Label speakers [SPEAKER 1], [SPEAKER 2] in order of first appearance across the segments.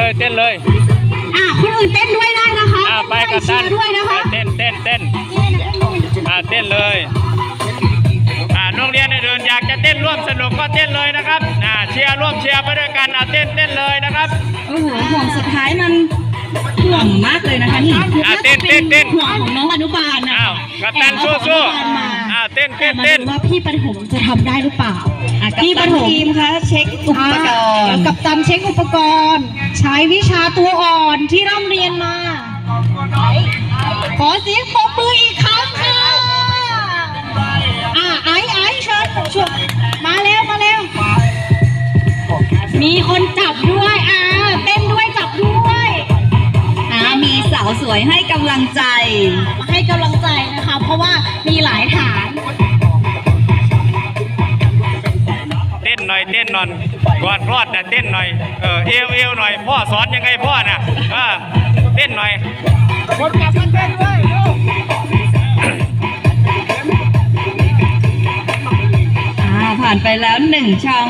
[SPEAKER 1] เลยเต้นเลย
[SPEAKER 2] คนอื่นเต้นด้วยได้นะคะ
[SPEAKER 1] ไปกับท่าน
[SPEAKER 2] ด้วยนะคะ
[SPEAKER 1] เต้นเต้นเลยโรงเรียนอื่นอยากจะเต้นร่วมสนุกก็เต้นเลยนะครับเชียร์ร่วมเชียร์ไปด้วยกันเต้นเลยนะครับ
[SPEAKER 2] โอ้โหห่วงสุดท้ายมันห่วงมากเลยนะคะนี่
[SPEAKER 1] เต้น
[SPEAKER 2] ห่วงของน้องอนุบาลนะ
[SPEAKER 1] กัปตันสู้เต้น
[SPEAKER 2] ว่าพี่ประถมจะทำได้หรือเปล่าพี่ประถมทีมคะเช็คอุปกรณ์กับตันเช็คอุปกรณ์ใช้วิชาตัวอ่อนที่ร่ำเรียนมาขอเสียงปรบมืออีกครั้งค่ะไอ้เชิญมาเร็วมีคนจับด้วยเต้นด้วยจับด้วย
[SPEAKER 3] มีสาวสวยให้กำลังใจ
[SPEAKER 2] นะคะเพราะว่ามีหลายฐาน
[SPEAKER 1] เต้นหน่อยก่อนรอดเต้นหน่อยเอวหน่อยพ่อสอนยังไงพ่อน่ะเต้นหน่อยคนกลับมาเต้นด้วย
[SPEAKER 3] ผ่านไปแล้ว1 ช่อง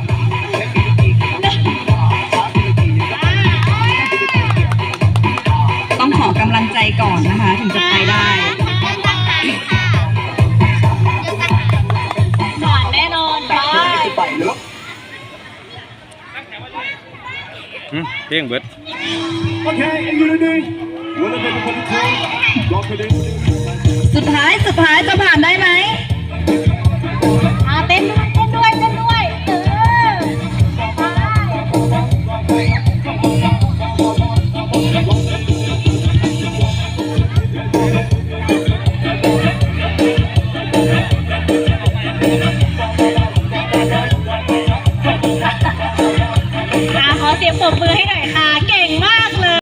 [SPEAKER 3] ต้องขอกำลังใจก่อนนะคะถึงจะไปได้
[SPEAKER 2] ผ่านแน่นอน
[SPEAKER 1] เพียงเบิด
[SPEAKER 3] สุดท้ายจะผ่านได้ไหม
[SPEAKER 2] เต้นด้วยขอเสียงปรบมือให้หน่อยค่ะเก่งมากเลย